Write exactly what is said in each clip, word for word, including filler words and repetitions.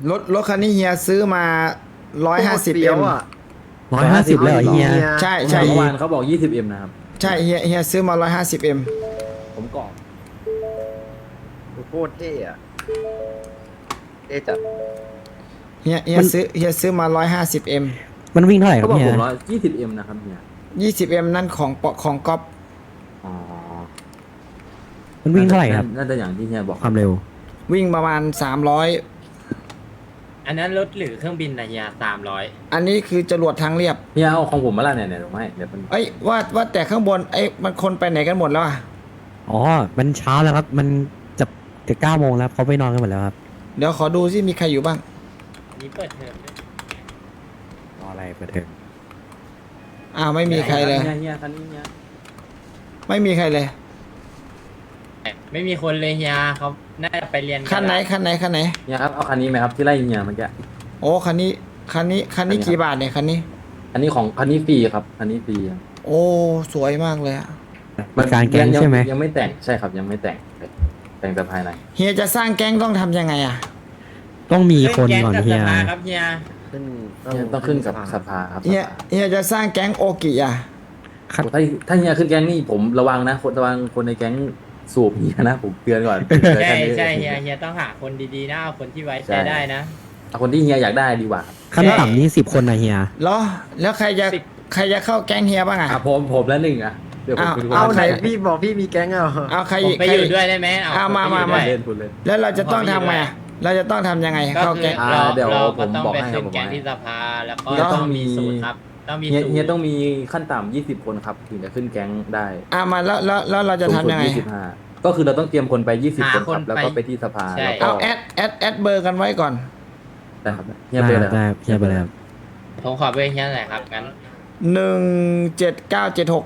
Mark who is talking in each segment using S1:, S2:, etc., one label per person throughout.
S1: รถรถคันนี้เฮียซื้อมาร้อยห้าสิบเอ็ม
S2: อ่ะ
S3: ร้อยห้าสิบเลยเหรอเฮีย
S1: ใช่ใช่
S4: เมื่อวานเขาบอก ยี่สิบเอ็ม นะครับ
S1: ใช่เฮียเฮียซื้อมาร้อยห้าสิบเอ็ม
S4: ผมกรอก
S2: โคตรเท่อะเท่จัด
S1: เฮียเฮียซื้อเฮียซื้อมาร้อยห้าสิบเอ็ม
S3: มันวิ่งเท่าไหร่ค
S4: เขา
S3: รับ
S4: บอก
S3: เฮี
S4: ผ
S3: ย
S4: มร้อยยี่สิบเอ็มนะครับเนี่ย
S1: ยี่สิบเอ็มนั่นของปอของก๊อฟ
S4: อ๋อ
S3: มันวิ่งเท่าไหร่ครับ
S4: น่าจะอย่างที่เฮียบอก
S3: ความเร็ว
S1: วิ่งประมาณสามร้อย
S5: อันนั้นรถหรือเครื่องบินนะเฮียสามร้อย
S1: อันนี้คือจรวดทางเรียบ
S4: เฮียเอาของผมมาละเนี่ยเนี่ยเดี๋ยวให้เดี๋ยวมัน
S1: เอ้ยว่าว่าแต่ข้างบนไอ้ยมันคนไปไหนกันหมดแล้วอ่ะ
S3: อ๋อ มันเช้าแล้วครับ มันจะจะเก้าโมงแล้วเขาไปนอนกันหมดแล้วครับ
S1: เดี๋ยวขอดูซิมีใครอยู่บ้าง
S5: อันนี้เปิดเทอมด้วย
S3: รออะไรเปิดเทอม
S1: อ้าวไม่มีใครเลย
S4: เฮียเฮียคันนี้เฮีย
S1: ไม่มีใครเลย
S5: ไม่มีคนเลยเฮียเขาน่าจะไปเรียนกั
S1: คันไหน
S5: ละ
S1: คันไหนคันไหน
S4: เฮียครับเอาคันนี้ไหมครับที่ไล่เฮียเมื่อกี้
S1: โอ้คันนี้คันนี้คันนี้กี่บาทเนี่ยคันนี้
S4: อันนี้ของคันนี้ฟรีครับคันนี้ฟรีครับ
S1: โอ้สวยมากเลยอะ
S3: มันการแก๊ง
S4: ยัง
S3: ใช่ไหม
S4: ยังไม่แต่งใช่ครับยังไม่แต่งแต่งแต่ภายใน
S1: เฮียจะสร้างแก๊งต้องทำยังไงอ่ะ
S3: ต้องมีคน
S5: แก๊ง
S3: ก่อน
S5: กับ
S3: เฮี
S5: ส
S3: ย
S5: ภาครับเฮีย
S2: ขึ้น
S4: เฮียต้องขึ้นกับสภาครับ
S1: เฮียเฮียจะสร้างแก๊งโอกิอ่ะ
S4: โอ้ถ้าถ้าเฮียขึ้นแก๊งนี่ผมระวังนะคนระวังคนในแก๊งสูบเฮียนะผมเตือนก่อน
S5: ใช่ใช่เฮียเฮียต้องหาคนดีๆนะเอาคนที่ไว้ใจได้นะ
S4: เอาคนที่เฮียอยากได้ดีกว่า
S3: ขั้นต่ำนี่สิบคนนะเฮีย
S1: เหรอแล้วใครจะ
S5: สิบ
S1: ใครจะเข้าแก๊งเฮียบ้างอ่ะ
S4: อ่ะผมผมแล้วหนึ่งอ่ะเดี๋ยวผม
S1: อ้าว
S4: คุณ
S2: เอาไหน
S4: ใคร
S2: พี่บอกพี่มีแก๊งเอา
S1: เอาใคร
S5: ผม
S1: อีก
S5: ไป
S1: ใคร
S5: อยู่
S1: อีก
S5: ด้วยได้ไหม
S1: เอามา
S5: ผ
S1: มา
S5: ไปอยู่
S1: มา
S5: ด้วย
S4: เล่นคุณเล่น
S1: แล้วเราจะต้องทำไงอะเราจะต้องทำยังไง
S5: ก็
S1: เข้า
S5: คือ
S1: แก๊ง
S5: เรา
S4: อ่าเดี๋ยว
S5: เรา
S4: ผ
S5: ก็
S4: ม
S5: ต้อง
S4: บอก
S5: ไป
S4: ให้
S5: ขึ้น
S4: ผม
S5: แก๊ง
S4: บอกให้
S5: ที่สภาแล้วก็
S4: เฮียต้
S5: ต้
S4: อ
S5: อง ง
S4: มี
S5: มีสูตรครับ ต้องมี
S4: เฮีย
S5: สูตร
S4: เฮียต้องมีขั้นต่ำยี่สิบคนครับถึงจะขึ้นแก๊งได้
S1: อ่ะมาแล้วแล้วแล้วเราจะทำยังไง
S4: ยี่สิบห้าก็คือเราต้องเตรียมคนไปยี่สิบคนครับแล้วก็ไปที่สภาแล้วก็
S1: เอาแอดแอดแอดเบอร์กันไว้ก่อน
S4: ได้ครับเฮียไปเลยค
S3: ได้
S4: รับ
S3: เฮียไปเลยครับ
S5: ผมขอเบอร์เฮียหน่อยครับงั้น
S1: หนึ่งเจ็ดเก้าเจ็ดหก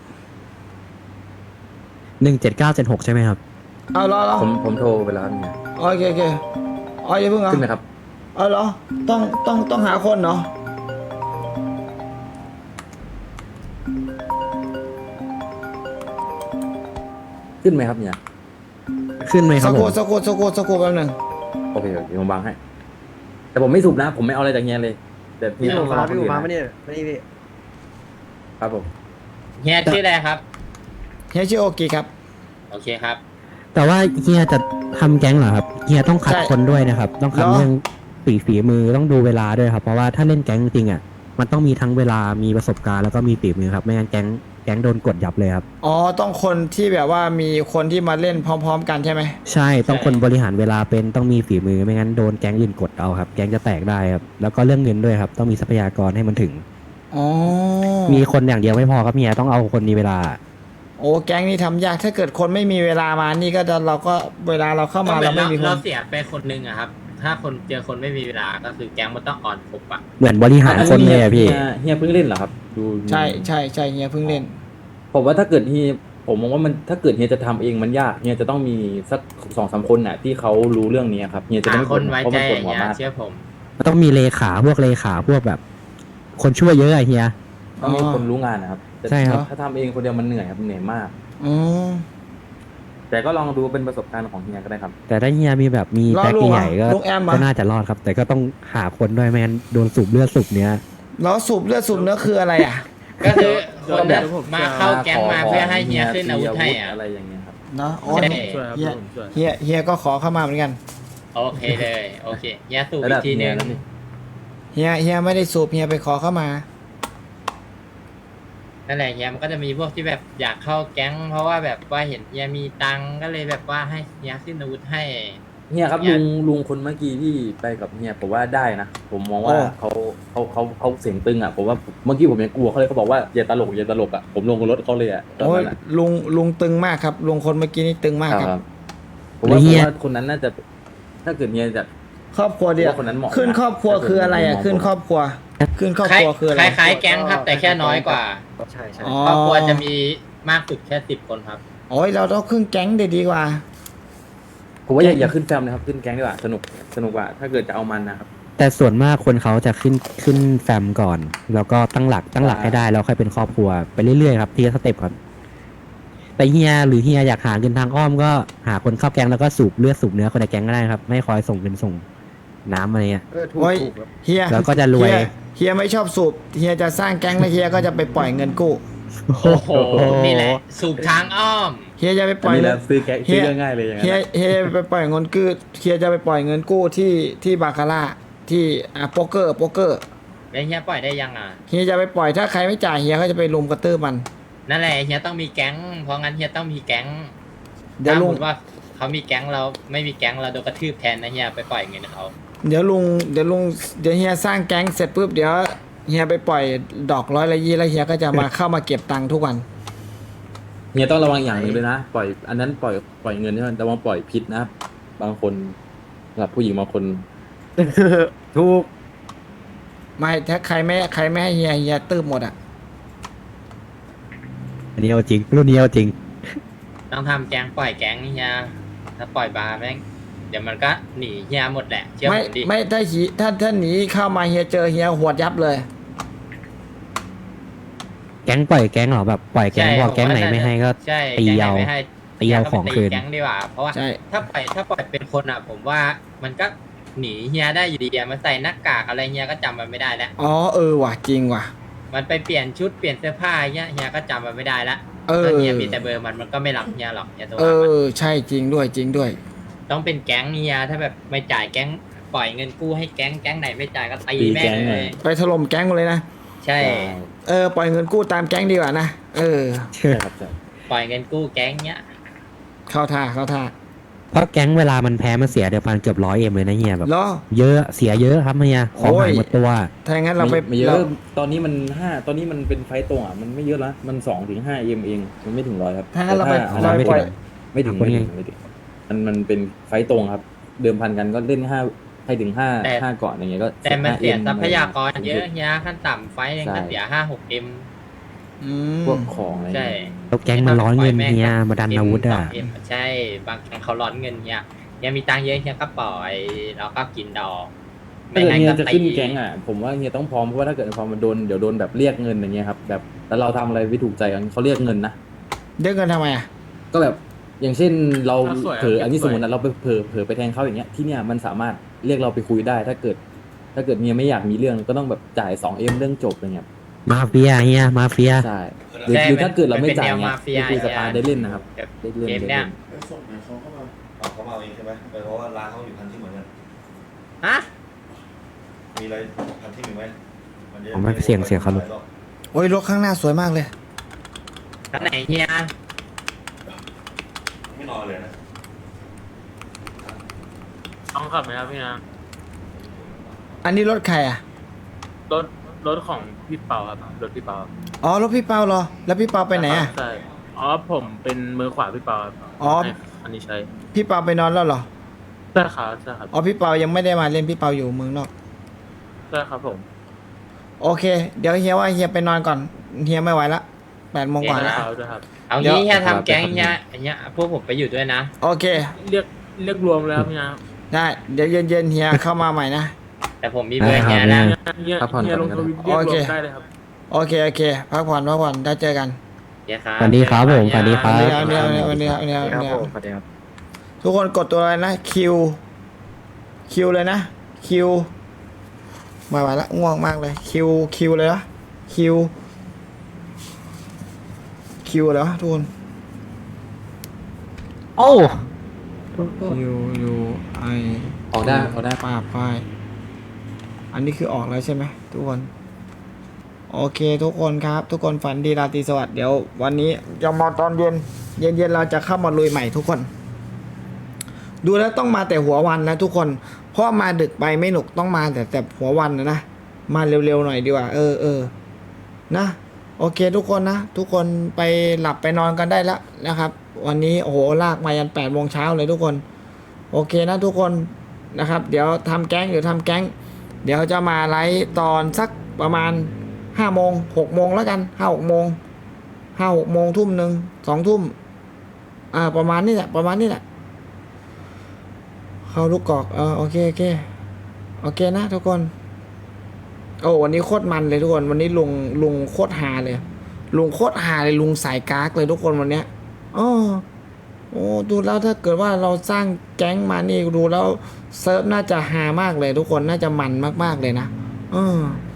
S3: หนึ่งเจ็ดเก้าเจ็ดหกใช่ไหมครับ
S1: เอาเหรอเหรอ
S4: ผมผมโทรไปแล้วครับเนี่ย
S1: โอเคโอเคอ๋ออย่าเพิ่งเอา
S4: ขึ้นไหมครับ
S1: เอาเหรอต้องต้องต้องหาคนเนาะ
S4: ขึ้นไหมครับเนี่ย
S3: ขึ้นไหมค
S1: สั
S3: รับ
S1: ก
S3: ผ
S1: ครู่
S3: ม
S1: สักครู่สักครู่สักครู่แป๊บหนึง
S4: โอเคโอเคผมบังให้ แต่ผมไม่สูบนะ ผมไม่เอาอะไรจากเฮียเลยแต่
S2: พี่
S4: เฮีย
S2: ผมมา
S4: เอา
S2: พี่ผมมา
S4: คน
S2: ไม่
S4: อื่น
S2: เนี่ยไม่นี่พี่
S4: ครับผม
S5: เฮียชื่ออะไรครับ
S1: เฮียชื่อโอกิครับ
S5: โอเคครับ
S3: แต่ว่าเฮียจะทำแก๊งเหรอครับ เฮียต้องคัด
S1: ใช่
S3: คนด้วยนะครับ ต้องคัด
S1: เหรอ
S3: เรื่องฝีฝีมือต้องดูเวลาด้วยครับ เพราะว่าถ้าเล่นแก๊งจริงๆอ่ะ มันต้องมีทั้งเวลา มีประสบการณ์แล้วก็มีฝีมือครับ ไม่งั้นแก๊งแก๊งโดนกดยับเลยครับ
S1: อ๋อต้องคนที่แบบว่ามีคนที่มาเล่นพร้อม ๆ กันใช่ไหม
S3: ใช่ ต้องคนบริหารเวลาเป็น ต้องมีฝีมือ ไม่งั้นโดนแก๊งอื่นกดเอาครับ แก๊งจะแตกได้ครับ แล้วก็เรื่องเงินด้วยครับ ต้องมีทรัพยากรให้มันถึง
S1: อ๋อ
S3: มีคนอย่างเดียวไม่พอครับเฮียต้องเอาคนมีเวลา
S1: โอ้แก๊งนี่ทำยากถ้าเกิดคนไม่มีเวลามานี่ก็จะเราก็เวลาเราเข้ามาเราไม่มีค
S5: เรา
S1: น
S5: เสียไปคนนึงอะครับ ถ้าคนเจอคนไม่มีเวลาก็คือแก๊งมันต้องอ่อนครบอะ
S3: เหมือนบริหารคนเลยอะพี่
S4: ฮีเฮียเพิ่งเล่นเหรอครับดู
S1: ใช่ใช่ใช่เฮียเพิ่งเล่น
S4: ผมว่าถ้าเกิดเฮียผมมองว่ามันถ้าเกิดเฮียจะทำเองมันยากเฮียจะต้องมีสักสองสามคนน่ะที่เขารู้เรื่องนี้ครับเฮียจะ
S5: หา
S4: ไม่
S5: คนไว้
S4: เพราะ
S5: ใจ
S4: มันปวดหัว
S5: เฮีย
S4: มาก
S5: เชื่อผม
S3: ต้องมีเลขาพวกเลขาพวกแบบ คนช่วยเยอะอะเฮีย
S4: ต้องมีคนรู้งานนะครับแต่
S3: ใช่ครับ
S4: ถ้าทำเองคนเดียวมันเหนื่อยครับเหนื่อยมาก
S1: อืม
S4: แต่ก็ลองดูเป็นประสบการณ์ของเฮียก็ได้ครับ
S3: แต่ถ้าเฮียมีแบบมี
S1: รอ
S3: แพ็ค
S1: ลุง
S3: ใหญ่ๆก็
S1: ลุงแอมอะ
S3: ก็น่าจะรอดครับ แต่ก็ต้องหาคนด้วยไม่งั้นโดนสูบเลือดสูบเนื้อ
S1: แล้วสูบเลือดสูบเนื้อคืออะไรอ่ะ
S5: ก็คือคน
S4: แบบ
S5: มาเข้าแก๊งมาเพื่อให้เฮียขึ้นอาวุธให้อะ
S4: อะไรอย่างเงี้ยครับ
S1: เนาะอ๋อ
S5: ใช่
S1: เฮียเฮียเฮียก็ขอเข้ามาเหมือนกัน
S5: โอเคเลยโอเคเฮียสูบ
S4: ระ
S5: อี
S4: ดั
S5: ก
S4: บ
S5: ทีนึง
S4: เฮียแล้วนี่
S1: เฮียเฮียไม่ได้สูบเฮียไปขอเข้ามา
S5: นั่นแหละเฮียมันก็จะมีพวกที่แบบอยากเข้าแก๊ง เพราะว่าแบบว่าเห็นเฮียมีตังค์ก็เลยแบบว่าให้เฮียขึ้นอาวุธให้
S4: เฮียครับ
S5: เฮี
S4: ลุ
S5: ย
S4: งลุงคนเมื่อกี้ที่ไปกับเฮียผมว่าได้นะผมมองว่า
S1: โอ้
S4: เขาเขาเขาเขาเสียงตึงอ่ะผมว่าเมื่อกี้ผมยังกลัวเขาเลยเขาบอกว่าอย่าตลกอย่าตลกอ่ะผมลงรถเขาเลยอ่ะตอน
S1: โอ้ย
S4: นั้นอะ
S1: ลุงลุงตึงมากครับลุงคนเมื่อกี้นี่ตึงมาก
S4: ค
S1: ค
S4: รั
S1: รั
S4: บบ ผมว่า
S3: แล้วเฮี
S4: ผม
S3: ย
S4: ว่าคนนั้นน่าจะ ถ้าเกิดเฮียจะ
S1: ครอบครัวเดียว
S4: ว่าคนนั้นเหมาะนะ
S1: ขึ้นครอบครัวคืออะไรอ่ะ
S4: ถ้าเกิด
S1: ขึ้นครอบครัว ขึ้นครอบครัวคืออะไร
S5: คล้ายๆแก๊งครับ แต่แค่น้อยกว่า
S2: ใช่ใช่
S1: อ๋อ
S5: ครอบครัวจะมีมากสุดแค่สิบคนครับ
S1: โอ้ยเราต้องขึ้นแก๊งเดดีกว่า
S4: ผมว่าอย่าอย่าขึ้นแฟมนะครับขึ้นแก๊งดีกว่าสนุกสนุกกว่าถ้าเกิดจะเอามันนะครับ
S3: แต่ส่วนมากคนเขาจะขึ้นขึ้นแฟมก่อน แล้วก็ตั้งหลักตั้งหลักให้ได้แล้วค่อยเป็นครอบครัวไปเรื่อยๆครับทีละสเต็ปครับแต่เฮียหรือเฮียอยากหาเงินทางอ้อมก็หาคนเข้าแก๊งแล้วก็สูบเลือดสูบเนื้อคนในแก๊งก็ได้ครับไม่คอยส่งเงินส่งน้ำอะไรเงี้ย
S2: เออถูก
S1: โอ้ย
S2: ถูกครับ
S1: เฮีย
S3: แล้วก็จะรวย
S1: เฮีเฮียไม่ชอบสูบเฮียจะสร้างแก๊งแล้วเฮียก็จะไปปล่อยเงินกู้
S3: โอ้โห
S5: โอ้โหนี่แหละสูบทางอ้อม
S1: เฮียจะไปป
S4: อัน
S1: ล่อย
S4: นี้แห
S1: เงิ
S4: ละ
S1: น
S4: ซื้อแก๊ง
S1: เฮี
S4: ซื้อย เรื่องง่ายเลยอย่างนั้
S1: เฮีย
S4: น
S1: เฮียไปปล่อยเงินกู้เฮียจะไปปล่อยเงินกู้ที่ที่บาคาร่าที่อ่าโป๊กเกอร์โป๊กเกอร์
S5: แล้วเฮียปล่อยได้ยังอ่ะ
S1: เฮียจะไปปล่อยถ้าใครไม่จ่ายเฮียก็จะไปลุมกระตือมัน
S5: นั่นแหละเฮียต้องมีแก๊ง เพราะงั้นเฮียต้องมีแก๊ง
S1: เดี๋ยว
S5: ถ้า
S1: ลุ
S5: สม
S1: ง
S5: มติว่าเขามีแก๊งเราไม่มีแก๊งเราโดนกระทืบแทนนะเฮียไปปล่อยเงินเขา
S1: เดี๋ยวลุงเดี๋ยวลุงเดี๋ยวเฮียสร้างแก๊งเสร็จปุ๊บเดี๋ยวเฮียไปปล่อยดอกร้อยละยี่แล้วเฮียก็จะมา เข้ามาเก็บตังค์ทุกวัน
S4: เฮียต้องระวังอย่างหนึ่งเลยนะปล่อยอันนั้นปล่อยปล่อยเงินใช่ไหมแต่ว่าปล่อยพิษนะบางคนสำหรับผู้หญิงบางคน
S2: ถูก
S1: ไม่ถ้าใครไม่ใครไม่ให้เฮียเฮียตืบหมดอ่ะ
S3: อันนี้เอาจริงรุ่นนี้เอาจริง
S5: ต้องทำแก๊งปล่อยแก๊งเฮียถ้าปล่อยบาร์แม่งเดี๋ยวมันก็หนีเฮียหมดแหละเชื่อ
S1: ไม่
S5: ผมดิ
S1: ไม่ถ้าหีถ้าถ้าหนีเข้ามาเฮียเจอเฮียหวดยับเลย
S3: แก๊งปล่อยแก๊งเหรอแบบปล่อยแก๊งพอแก๊งไหนไม่ให้ก็
S5: ใช่
S3: ตี
S5: แก๊งไหน
S3: เอา
S5: ไม่ให้
S3: ตีเอาของคืน
S5: แก๊งดีกว่าเพราะว่า
S1: ใช่
S5: ถ้าปล่อยถ้าปล่อยเป็นคนอ่ะ ผมว่ามันก็หนีเฮียได้อยู่ดีอะมันใส่หน้ากากอะไรเฮียก็จำมันไม่ได้แล้ว
S1: อ๋อเออว่ะจริงว่ะ
S5: มันไปเปลี่ยนชุดเปลี่ยนเสื้อผ้าเฮียเฮียก็จำมันไม่ได้ละ
S1: เออ
S5: ถ้าเฮียมีแต่เบอร์มันมันก็ไม่รับเฮียหรอกเฮียตัว
S1: เอ
S5: มัน
S1: อใช่จริงด้วยจริงด้วย
S5: ต้องเป็นแก๊งเฮียถ้าแบบไม่จ่ายแก๊งปล่อยเงินกู้ให้แก๊งแก๊งไหนไม่จ่ายก็ตี
S4: ตี
S5: แม่
S4: แก๊
S5: ง
S4: ง
S5: เล
S4: เลย ย
S1: ไปถล่มแก๊งเลยนะ
S5: ใช่
S1: เออปล่อยเงินกู้ตามแก๊งดีกว่านะเออ
S4: ใช่ครับใช่
S5: ปล่อยเงินกู้แก๊งเนี้ย
S1: เข้าท่าเข้าท่า
S3: เพราะแก๊งเวลามันแพ้มันเสียเดือนพันเกือบร้อยเอ็มเลยนะเฮียแบบ
S1: เหรอ
S3: เยอะเสียเยอะครับเฮียของหายหมดตัว
S1: ถ้าอย่างนั้นเราไป
S4: ไม่เย
S1: เรา
S4: อะตอนนี้มันห้าตอนนี้มันเป็นไฟต์ตรงอ่ะมันไม่เยอะละมันสองถึงห้าเอ็มเองมันไม่ถึงร้อยครับ
S1: ถ้างั้นเราไป
S4: แต่
S1: เราไปปล่อย
S4: ไม่ถึงไม่ถึงไม่ถึงมันมันเป็นไฟต์ตรงครับ เดิมพันกันก็เล่นห้าให้ถึงห้าห้าก่อนอย่างเงี้ยก็
S5: แต่มันเสีย
S4: ห้า M
S5: ทรัพยากรเยอะเฮียขั้นต่ำไฟล์หนึงก็เสียห้าหกเอ็ม
S1: อืม
S4: พวกของอะไร
S5: ใช่
S4: เงี้ย
S3: แล้วแก๊งมันร้อนเงินเฮียมาดันอาวุธอ่ะ
S5: เอ็มใช่บางแก๊งเขาร้อนเงินเฮียเฮียมีตังค์เยอะเฮียก็ปล่อยแล้วก็กินดอก
S4: ถ้าเกิดเฮียจะขึ้น
S5: ตี
S4: แก๊งอ่ะผมว่าเฮียต้องพร้อมเพราะว่าถ้าเกิดพอมันโดนเดี๋ยวโดนแบบเรียกเงินอย่างเงี้ยครับแบบแล้วเราทำอะไรไม่ถูกใจกันเขาเรียกเงินนะ
S1: เดือเงินทำไมอ่ะ
S4: ก็แบบอย่างเช่นเรา
S6: ถ้าสวยอะ
S4: เผลออันนี้
S6: ส
S4: ส
S6: วย
S4: มมตินะเราไปเผลอเผลอไปแทงเขาอย่างเงี้ยที่เนี่ยมันสามารถเรียกเราไปคุยได้ ถ้าเกิด ถ้าเกิดเฮียไม่อยากมีเรื่องก็ต้องแบบจ่ายสองเอ็มเรื่องจบอะไรเงี้ย
S3: มาเฟียเฮียมาเฟีย
S4: ใช่หรือ
S5: ใช่
S4: หรือถ้าเกิดเราไม่
S5: นป็น
S4: จ่าย
S5: แนว
S4: เงี้
S5: มาย เฟีย
S4: ไปคุยสภาได้เล่นนะครับ
S5: แบบ
S4: ได้เล่น
S5: เกม
S4: ได้
S5: เนี้ย
S4: เล่น
S7: เอ้ยส่งไหนเขาเข้ามาอ๋อเขามาเอาเองใช่ไหมเออเพราะว่าร้านเขาอยู่พันที่เหมือนกัน
S5: ฮะ
S7: มีอะไรพันที่หนึ่งไหมนจะ
S3: ผมไม่เสี่ยงเสี่ยงเขาเลย
S1: โอ้ยรถข้างหน้าสวยมากเลย
S5: ท่านไหนเฮีย
S7: ไม่นอนเลยนะ
S6: ต้องขับไหมครับพี่นะ
S1: อันนี้รถใครอ่ะ
S6: รถรถของพี่เปาครับรถพี่เปา
S1: อ๋อรถพี่เปาเหรอแล้วพี่เปาไปไหนอ่ะ
S6: ใช่อ๋อผมเป็นมือขวาพี่เปาครับ
S1: อ๋อ
S6: ให้อันนี้ใช้
S1: พี่เปาไปนอนแล้วเหรอ
S6: ใช่ครับใช่ครับ
S1: อ๋อพี่เปายังไม่ได้มาเล่นพี่เปาอยู่เมืองนอก
S6: ใช่ครับผม
S1: โอเค เดี๋ยวเฮียว่าเฮียไปนอนก่อนเฮียไม่ไหวละแปดโมงกว่า
S6: ใช่
S1: แล้ว
S6: ครับด้วยครับ
S5: เอา
S1: เดี๋ยว
S5: งี้เฮียทำแก๊งเฮียเฮียพวกผมไปอยู่ด้วยนะ
S1: โอเค
S6: เรียกเรียกรวมแล้วพี่นะ
S1: ได้เดี๋ยวเย็นๆเฮียเข้ามาใหม่นะ
S5: แต่ผมมีเบอร์
S3: ได้
S5: เฮี
S3: ค
S5: ย
S3: รับ
S5: นะ
S6: เฮีย
S4: พักผ่อน
S6: เฮีย
S4: ก่
S6: ล
S4: อน
S6: ง
S4: ก็
S6: ท
S4: ได้
S6: วิตเรียกรว
S1: โอเค
S6: มได้เลยครับ
S1: โอเคโอเคพักผ่อนพักผ่อนได้เจอกัน
S5: เฮียครับ
S3: สวัสดีครับผมสวัสดีค
S1: ส
S3: รั
S1: วั
S3: บ
S1: สดีครับสวัสดีครับสวัสดีครับสวัสดี
S2: ค
S1: ค
S2: รั
S1: รั
S2: บบ ผมสวัสดีครับ
S1: ทุกคนกดตัวอะไรนะคิวคิวเลยนะคิวไม่ไหวละง่วงมากเลยคิวคิวเลยนะคิวคิวเหรอทุกคน
S3: โอ้
S1: คิวยูไอ
S4: ออกได้ออกได้
S1: ป้าป้ายอันนี้คือออกแล้วใช่ไหมทุกคนโอเคทุกคนครับ ทุกคนฝันดีราตรีสวัสดิ์เดี๋ยววันนี้จะมาตอนเย็นเย็นเย็นๆเราจะเข้ามาลุยใหม่ทุกคน ดูแล้วต้องมาแต่หัววันนะทุกคนเพราะมาดึกไปไม่หนุกต้องมาแต่แต่หัววันนะนะมาเร็วๆหน่อยดีกว่าเออเออนะโอเคทุกคนนะทุกคนไปหลับไปนอนกันได้แล้วนะครับ วันนี้โอ้โหลากมายันแปดโมงเช้าเลยทุกคน โอเคนะทุกคนนะครับ เดี๋ยวทำแก๊งเดี๋ยวทำแก๊ง เดี๋ยวจะมาไลฟ์ตอนสักประมาณห้าโมงหกโมงแล้วกันห้าหกโมงห้าหกโมงทุ่มหนึ่งสองทุ่มอ่าประมาณนี้แหละประมาณนี้แหละเข้าลูกกอกเออโอเคโอเคโอเคนะทุกคนโอ้วันนี้โคตรมันเลยทุกคนวันนี้ลุงลุงโคตรฮาเลยลุงโคตรฮาเลยลุงสายกากเลยทุกคนวันเนี้ยอ๋อโอ้ดูแล้วถ้าเกิดว่าเราสร้างแก๊งมานี่ดูแล้วเซิร์ฟน่าจะฮามากเลยทุกคนน่าจะมันมากๆเลยนะเออ